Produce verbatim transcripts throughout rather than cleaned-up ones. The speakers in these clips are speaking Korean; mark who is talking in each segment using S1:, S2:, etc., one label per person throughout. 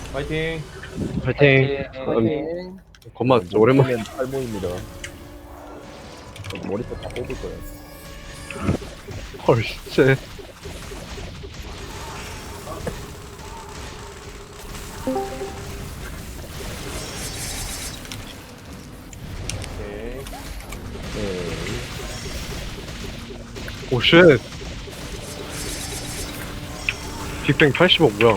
S1: 파이팅.
S2: 파이팅.
S3: 파이팅.
S2: 겁마 진짜 오랜만에.
S3: 탈모입니다. 머리색 다 뽑을 거예요.
S2: 헐 진짜.
S1: 오케이.
S3: 네.
S2: 오쉣. 빅뱅 팔십억 뭐야?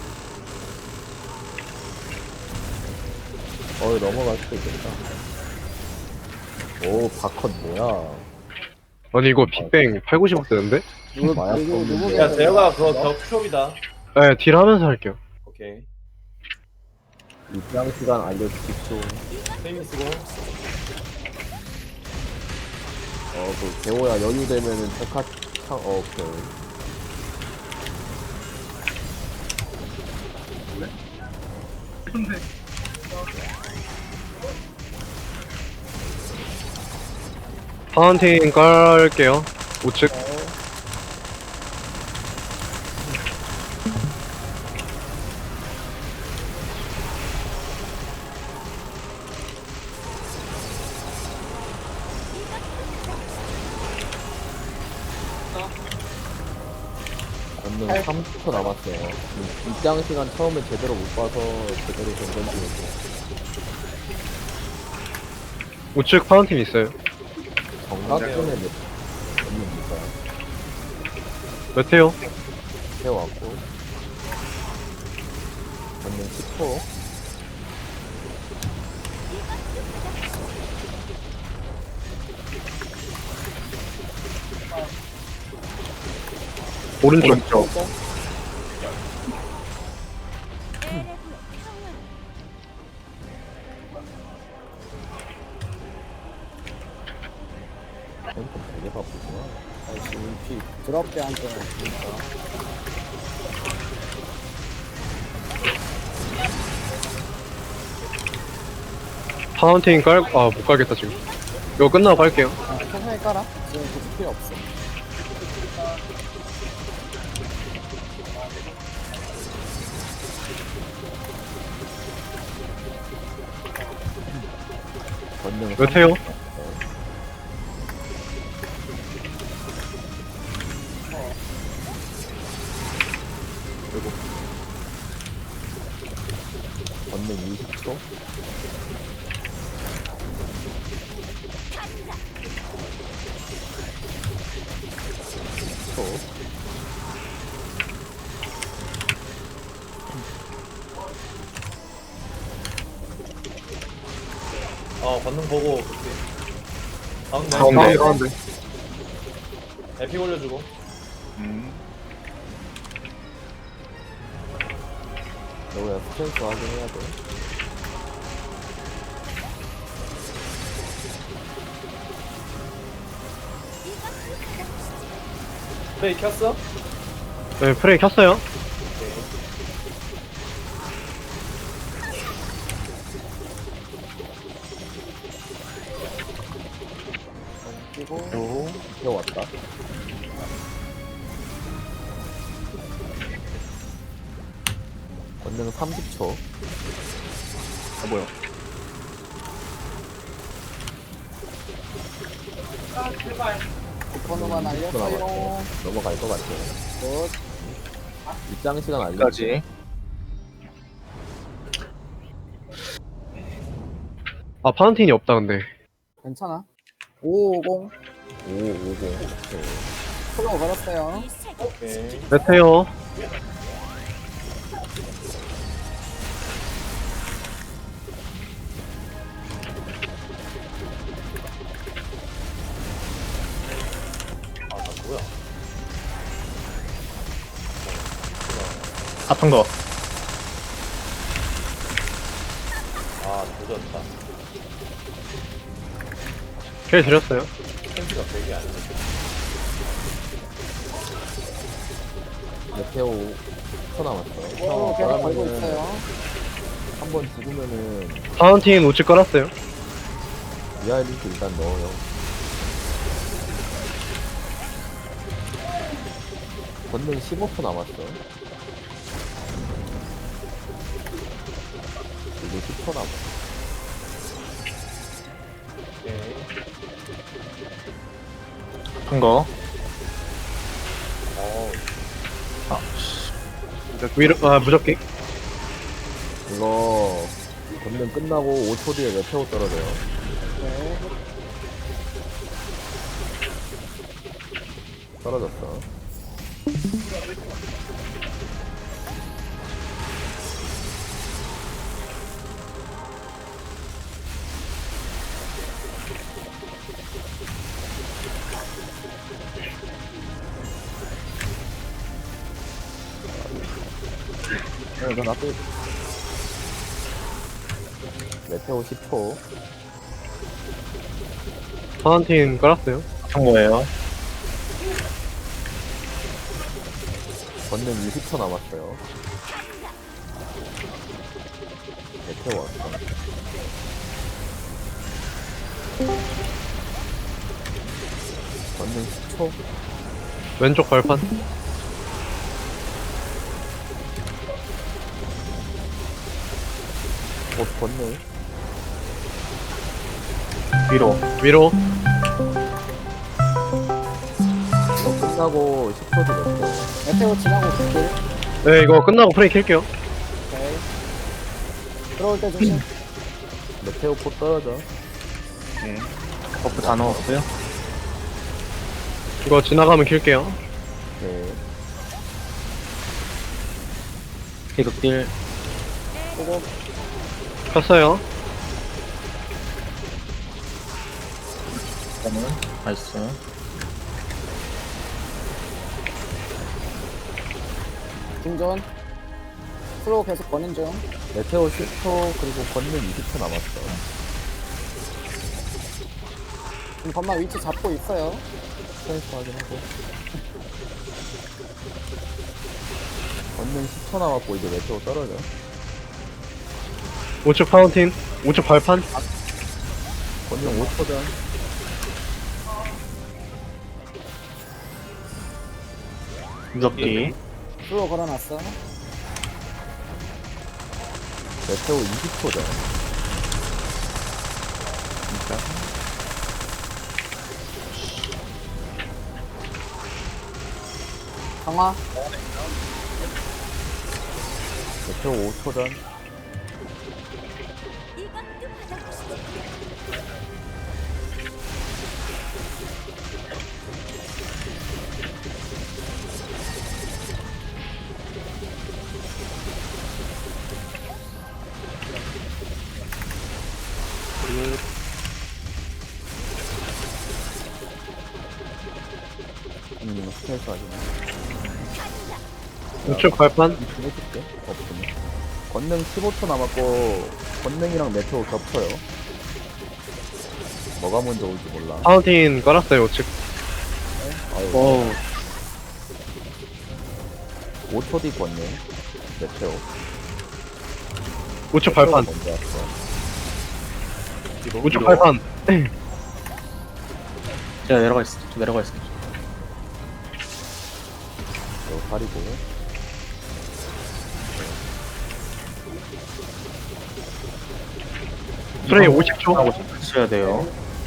S3: 어, 넘어갈 수도 있겠다. 오, 바컷 뭐야?
S2: 아니 이거 빅뱅 팔, 구십억 되는데?
S3: 누구, 마약
S4: 누구, 누구
S3: 없는데.
S1: 야, 재혁아, 그거 격숍이다.
S2: 네, 딜 하면서 할게요.
S1: 오케이.
S3: 입장 시간 알려주십시오.
S1: 세미 쓰고.
S3: 어, 그, 개호야 여유 되면은 백화 창, 어, 오케이.
S2: 파운틴 깔게요. 우측.
S3: 저는 삼십 초 남았어요. 음, 입장 시간 처음에 제대로 못 봐서 제대로 된 건지 모르겠어요.
S2: 우측 파운틴 있어요.
S3: 정각분에 몇, 몇입니까?
S2: 메테오.
S3: 세워왔고. 저는 십 초.
S2: 오른쪽.
S3: 템포 되게 바쁘구나.
S4: 아이씨, 피 드럽게 앉아있으니까
S2: 파운틴 깔, 아, 못 깔겠다, 지금. 이거 끝나고 깔게요.
S4: 아, 천천히 깔아. 지금 굳이 필요 없어.
S3: 전능
S2: 메테오.
S3: 그리고 전능 이십 초. 십 초.
S1: 어, 권능 보고, 그렇게. 가운데.
S2: 가운데, 가운데.
S1: 에픽 올려주고.
S3: 너야 스탠스 확인해야 돼.
S1: 스프레이 켰어?
S2: 네, 프레이 켰어요.
S4: 끼고,
S3: 오, 뛰어왔다. 권능 삼십 초. 아, 뭐야.
S4: 번호만 알렸어요.
S3: 넘어갈 것 같아요.
S4: 굿.
S3: 입장 시간 알려주세요.
S2: 아, 파운틴이 없다, 근데.
S4: 괜찮아. 오오공.
S3: 오오공. 오케이.
S4: 플로우 걸었어요.
S1: 오케이.
S2: 메테오.
S1: 아, 나 뭐야?
S5: 아픈 거.
S1: 아, 늦었다.
S2: 킬 드렸어요.
S1: 텐트가 되게 안 돼.
S3: 메테오 십 초 남았어요.
S4: 오, 계속 걸고
S3: 그러면은
S4: 있어요.
S3: 한 번 죽으면은
S2: 파운틴 우측 깔았어요.
S3: 위아래 링크 일단 넣어요. 권능 십오 초 남았어. 초 남았어.
S1: 오케이.
S5: 큰 거.
S1: 어,
S5: 아,
S2: 위로, 아, 무적기.
S3: 이거 권능 끝나고 오 초 뒤에 메테오 떨어져요.
S4: 네.
S3: 떨어졌어. 어, 이건 앞에 메테오 십 초.
S2: 파운틴 깔았어요.
S5: 큰 거예요.
S3: 권능 이십 초 남았어요. 메테오 왔어. 권능 십 초.
S2: 왼쪽 발판.
S3: 곧 권능.
S5: 위로.
S2: 위로.
S3: 이거 끝나고 십 초 뒤 메테오.
S4: 메테오 지나고 길.
S2: 네, 이거 끝나고 프레이 킬게요.
S4: 오케이. 들어올 때 조심.
S3: 메테오 포 떨어져.
S5: 네. 버프 다 넣었고요.
S2: 이거 지나가면 킬게요.
S3: 네.
S5: 희극딜.
S4: 보고
S2: 켰어요.
S5: 저는 나이스.
S4: 중전. 슬로우 계속 거는 중.
S3: 메테오 십 초 그리고 권능 이십 초 남았어.
S4: 지금 건마 위치 잡고 있어요.
S3: 스트레스 확인하고. 권능 십 초 남았고 이제 메테오 떨어져.
S2: 우측 파운틴. 우측 발판.
S3: 권능 오 초 전.
S5: 무적기.
S4: 슬로우 걸어놨어.
S3: 메테오 이십 초 전.
S4: 강화.
S3: 메테오 오 초 전. 음, 스트레스 확인.
S2: 우측 발판.
S3: 해줄게. 없으면. 권능 십오 초 남았고 권능이랑 메테오 겹쳐요. 뭐가 먼저 올지 몰라.
S2: 파운틴 깔았어요, 우측.
S3: 아유,
S2: 어우,
S3: 오 초 뒤 권능. 메테오.
S2: 우측
S3: 메테오가
S2: 발판.
S3: 먼저 왔어.
S2: 우측 발판.
S5: 제가 내려가 있어. 내려가 있어.
S3: 이거 가리고.
S2: 프레이 오십 초.
S5: 하고 치셔야 돼요.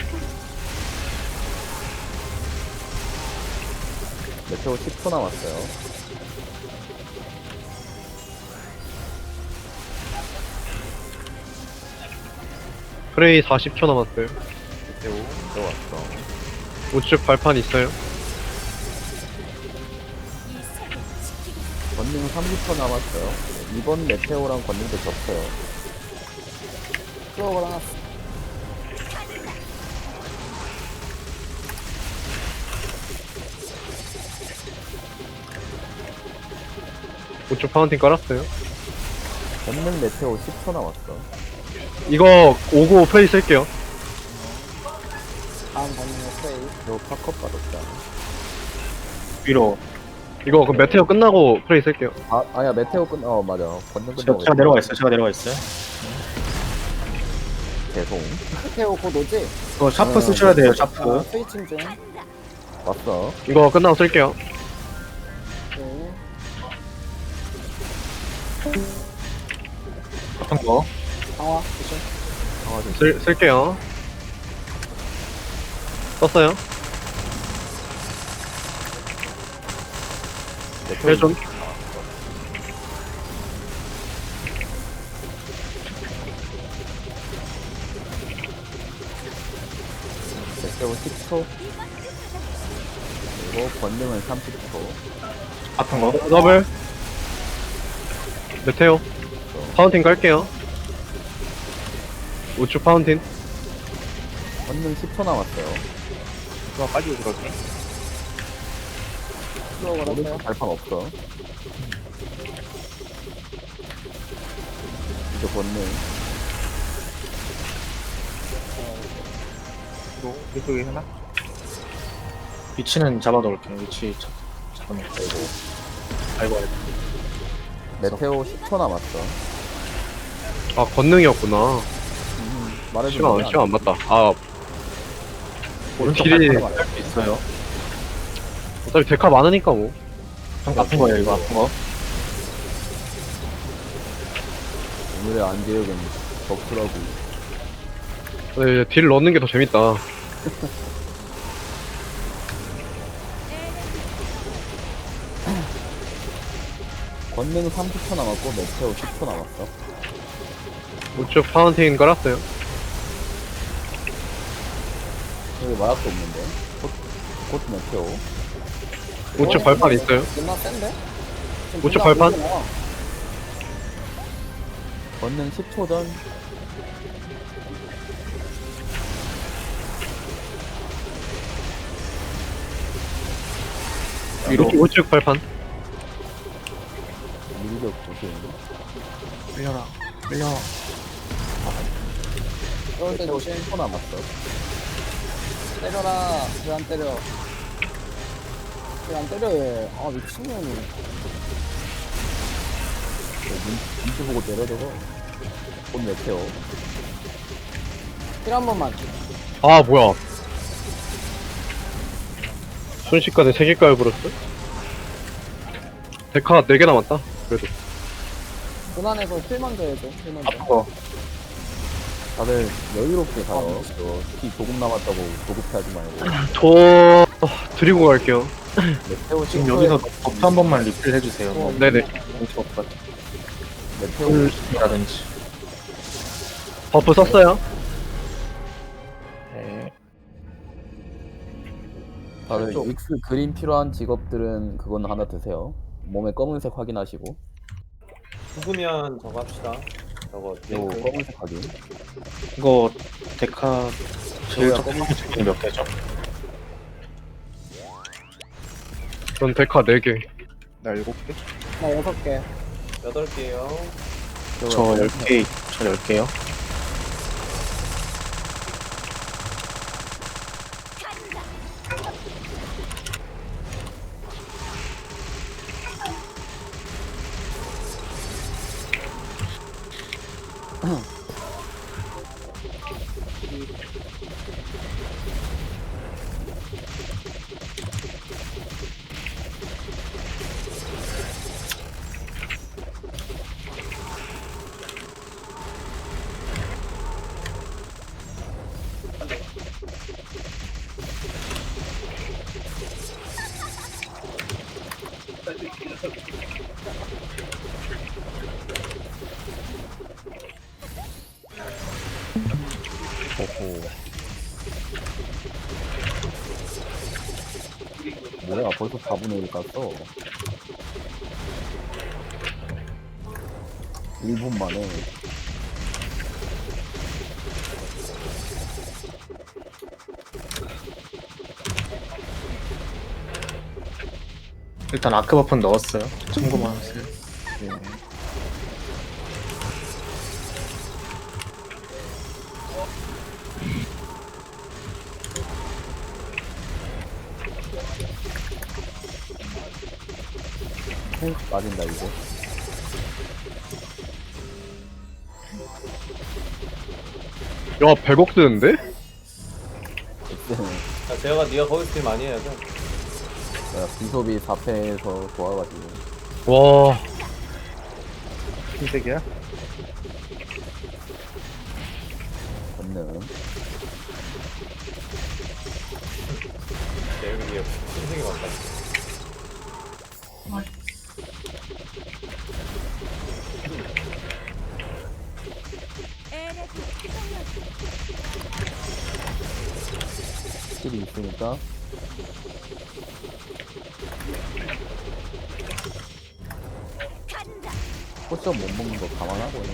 S3: 메테오 십 초 남았어요.
S2: 프레이 사십 초 남았어요.
S3: 메테오 들어왔어.
S2: 우측 발판 있어요.
S3: 권능 삼십 초 남았어요. 이번 메테오랑 권능도 겹쳐요.
S4: 슬로우 걸어놨어.
S2: 우측 파운틴 깔았어요.
S3: 권능 메테오 십 초 남았어.
S2: 이거 오고 프레이 쓸게요.
S4: 다음 건능의 프레이.
S3: 이거 팝컵 받았다.
S5: 위로.
S2: 이거 그 메테오 끝나고 프레이 쓸게요.
S3: 아, 아야 메테오 끝, 어 맞아. 권능
S5: 제가,
S3: 끝나고
S5: 제가 내려가 있어요. 제가 내려가 있어요.
S3: 계속
S4: 메테오 곧 오지?
S5: 이거 샤프 쓰셔야 돼요. 샤프.
S4: 아, 스위칭 중.
S3: 왔어.
S2: 이거 끝나고 쓸게요.
S4: 네.
S5: 큰 거.
S4: 강화 조심.
S3: 강화 좀
S2: 쓸, 쓸게요. 썼어요.
S3: 메테오
S2: 헬 좀.
S3: 메테오 십 초. 그리고 권능은 삼십 초.
S5: 아픈 거.
S2: 더블. 메테오. 파운틴 깔게요. 우측 파운틴.
S3: 권능 십 초 남았어요.
S5: 이거 빨리 들어올게.
S4: 슬로우 걸었어요.
S3: 오른쪽 발판 없어. 이제 권능.
S5: 이쪽에 하나? 위치는 잡아놓을게. 위치 잡, 잡아놓을게. 아이고, 아이고.
S3: 메테오 십 초 남았어.
S2: 아, 권능이었구나.
S3: 음, 말해주면
S2: 시간, 안- 시간 안 맞다. 아,
S5: 오른쪽
S2: 딜이-
S5: 발판 할수 있어요.
S2: 어차피 데카 많으니까 뭐.
S5: 좀 아픈 거예요, 이거 아픈 거.
S3: 오늘의 안개역은 덕후라고.
S2: 네, 딜 넣는 게 더 재밌다.
S3: 권능 삼십 초 남았고 메테오 십 초 남았어.
S2: 우측 파운틴 깔았어요.
S3: 여기 마약도 없는데. 곧, 곧 메테오.
S2: 우측 발판 있어요.
S4: 존나 센데? 지금
S2: 우측
S4: 존나
S2: 발판?
S4: 보이잖아.
S3: 권능 십 초 전.
S5: 위로.
S2: 우측, 우측 발판.
S3: 밀격 조심.
S5: 끌려라. 끌려.
S4: 그럴 때
S3: 메테오
S4: 조심.
S3: 십 초 남았어.
S4: 때려라. 왜 안 때려? 왜 안 때려 얘? 아 미친년이.
S3: 눈, 눈치 보고 내려줘서. 곧 메테오.
S4: 힐 한 번만.
S2: 아, 뭐야. 순식간에 세 개 깔버렸어? 데카 네 개 남았다. 그래도.
S4: 고난에서 힐 먼저 해줘. 힐 먼저.
S5: 아픈 거.
S3: 다들 여유롭게 가요. 저, 피 조금 남았다고 조급해하지 말고.
S2: 저, 드리고 갈게요.
S3: 메테오
S5: 지금
S3: 십 초에
S5: 여기서 버프 한 번만 리필 해주세요. 뭐,
S2: 네네.
S5: 정치 버프 같은
S3: 메테오
S5: 꿀이라든지.
S2: 버프 썼어요.
S5: 네.
S3: 다들 익스 그린 필요한 직업들은 그건 하나 드세요. 몸에 검은색 확인하시고.
S1: 죽으면 저거 합시다. 저거
S3: 요
S1: 링크.
S3: 검은색 확인.
S5: 이거 데카 제일
S3: 저거야,
S5: 적당한 제품이 몇 개죠?
S2: 전 데카 네 개.
S5: 나 일곱 개?
S4: 나 여섯 개.
S1: 여덟 개요.
S5: 저 열 개, 저 열 개요.
S3: 오호. 뭐야 벌써 사분의 일 갔어. 일 분 만에.
S5: 일단 아크 버프는 넣었어요. 참고만 하세요.
S3: 네. 헬스 빠진다 이제.
S2: 야, 백억 드는데?
S3: 엑스는
S1: 자, 제가 니가 거기 스킬 많이 해야죠.
S3: 내가 비숍이 사 패에서 좋아가지고.
S2: 와,
S5: 흰색이야?
S3: 권능.
S1: 네, 여기 신생이 왔다.
S3: 스킬이 있으니까. 포션 못 먹는 거 감안하고요.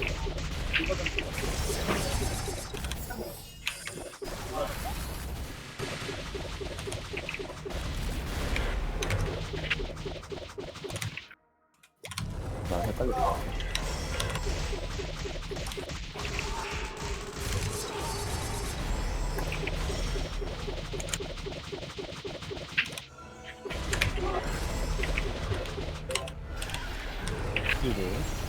S3: 나 헷갈렸다. 스킬을.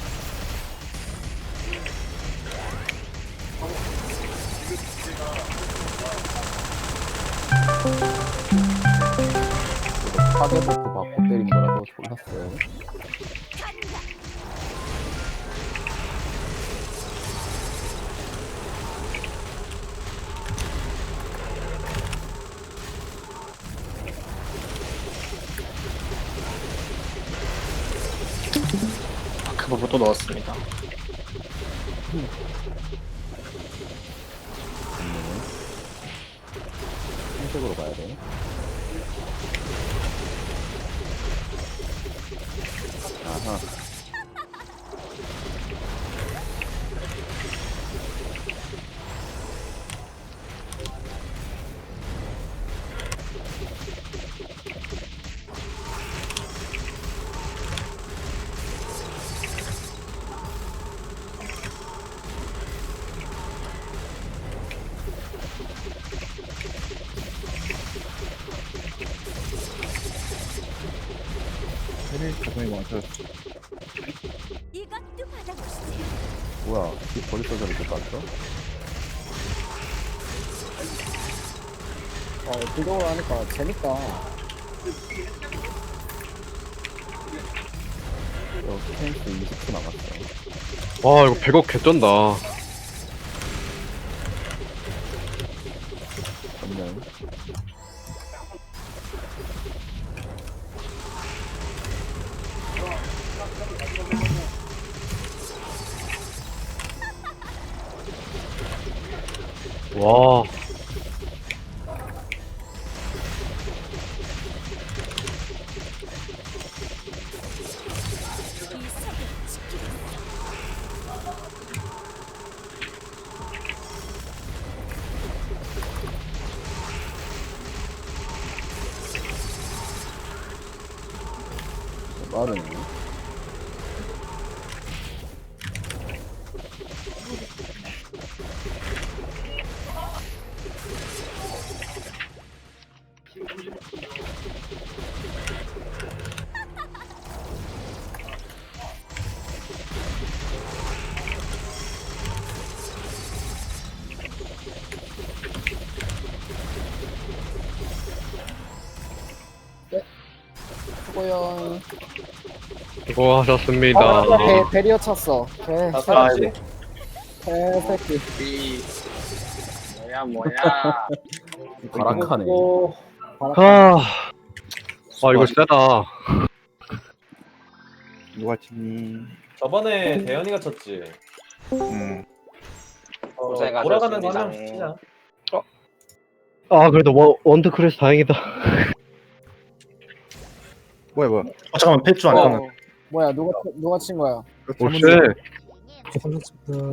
S3: 파괴 버프 받고 때린 거라서 졸랐어요.
S5: 그 버프 또 넣었습니다.
S3: 흰색으로 가야 돼. 아하.
S6: 이것도 받아보시지.
S3: 뭐야, 이 벌써 저렇게 땄어?
S4: 아, 비교를 하니까 재밌다.
S3: 저 스탠스 이십 초 남았어.
S2: 와 이거 백억 개쩐다.
S3: 권능.
S2: 와
S6: 이 세계 지키겠어.
S3: 빠르네.
S4: 수고연.
S2: 수고하셨습니다.
S4: 아, 배, 배리어 찼어. 개,
S1: 다 살았지?
S4: 개새끼.
S5: 이 뭐야 뭐야.
S3: 가락하네.
S1: 오,
S2: 아, 아 이거 세다.
S7: 누가 치니?
S1: 저번에 대현이가 쳤지.
S7: 음.
S1: 어,
S5: 고생하셨습니다.
S1: 돌아가면서 한 명 치자.
S2: 아 그래도 원 원드 크래스 다행이다.
S7: 뭐야 뭐야? 어 잠깐만 펫주 안
S4: 어,
S7: 가면.
S4: 뭐야, 누가, 누가 친 거야?
S2: 오쉣.